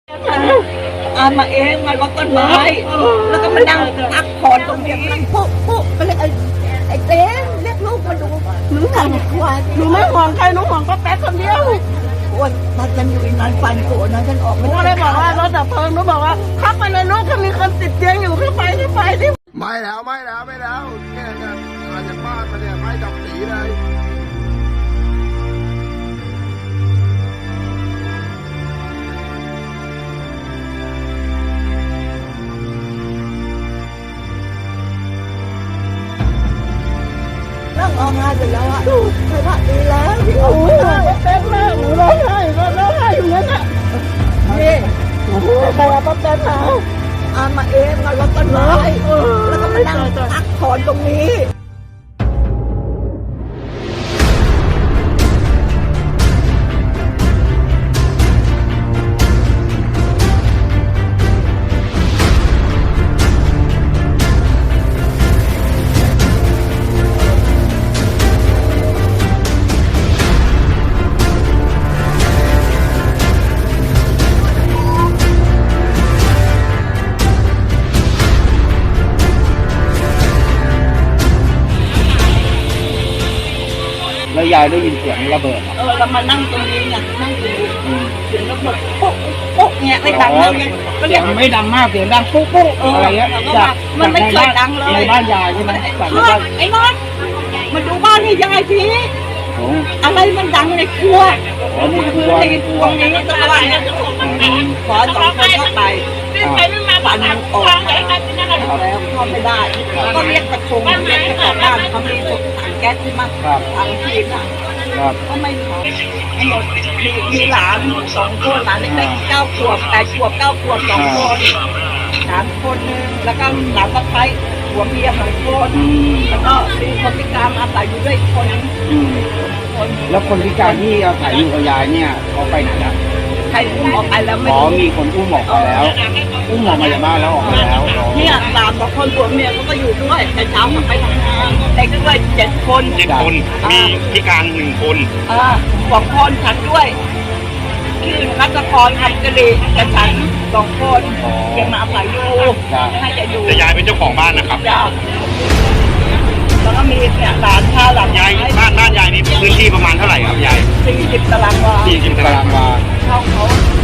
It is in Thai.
เอามาเองมาลดต้นไม้แล้วก็มานั่งพักผ่อนตรงนี้ปุ๊บไปเลยไอ้เต้เรียกลูกมาดูหนูห่วงหนูไม่ห่วงใครหนูห่วงก็แป๊กคนเดียวว่ามันอยู่อีกนานฟันโกรธนะฉันออกไม่ได้บอกว่ารถดับเพลิงหนูบอกว่าเข้าไปในรถถ้ามีคนติดเตียงอยู่เข้าไปที่ไม่แล้วเนี่ยมาจากบ้านมาเนี่ยไม่ดับสีเลยนั่งออกงานเสร็จแล้วอ่ะสวัสดีแล้วพี่โอ้โหเต้นมากหนูร้องไห้อยู่นั่นน่ะนี่โอ้โหใครเอาป๊อปเต้นมาเอามาเองมาลดต้นไม้แล้วก็มานั่งพักผ่อนตรงนี้แล้วยายได้ยินเสียงระเบิดเรามานั่งตรงนี้ไงนั่งตรงนี้เสียงระเบิดปุ๊บเนี่ยไม่ดังเลยเสียงไม่ดังมากเสียงดังปุ๊บอะไรเงี้ยจากมันไม่เคยดังเลยในบ้านยายใช่ไหมจากในบ้านไอ้นอนมาดูบ้านให้ยายทีอะไรมันดังในครัวในครัวนี้ตะวันเนี่ยขอ2 คนเข้าไปฝันออกแล้วเข้าไม่ได้ก็เรียกประชุมเรียกเจ้าของบ้านเขามีถังแก๊สที่มาถังทีน่ะก็ไม่ขอมีหลาน2 คนหลานเล็กๆ9 ขวบ8 ขวบ 9 ขวบ2 คนหลานคนนึงแล้วก็หลานสะใภ้หัวเมีย2 คนแล้วก็มีคนพิการอาศัยอยู่ด้วยคนแล้วคนพิการที่อาศัยอยู่กับยายเนี่ยเขาไปไหนละใครอุ้มออกไปแล้วไม่มีคนอุ้มออกไปแล้วอุ้มออกมาจากบ้านแล้วออกมาแล้วเนี่ยหลาน2 คนผัวเมียเขาก็อยู่ด้วยแต่เช้าเขาไปทำงานเด็กด้วย7 คนมีพิการ1 คน 2 คนฉันด้วยคือนักกรทำกะหรี่กับฉัน2 คนยังมาอาศัยอยู่ให้จะอยู่แต่ยายเป็นเจ้าของบ้านนะครับแล้วก็มีเนี่ยหลานชาหลานยายบ้านยายนี่พื้นที่ประมาณเท่าไหร่ครับยาย 40 ตารางวา 40 ตารางวาเขา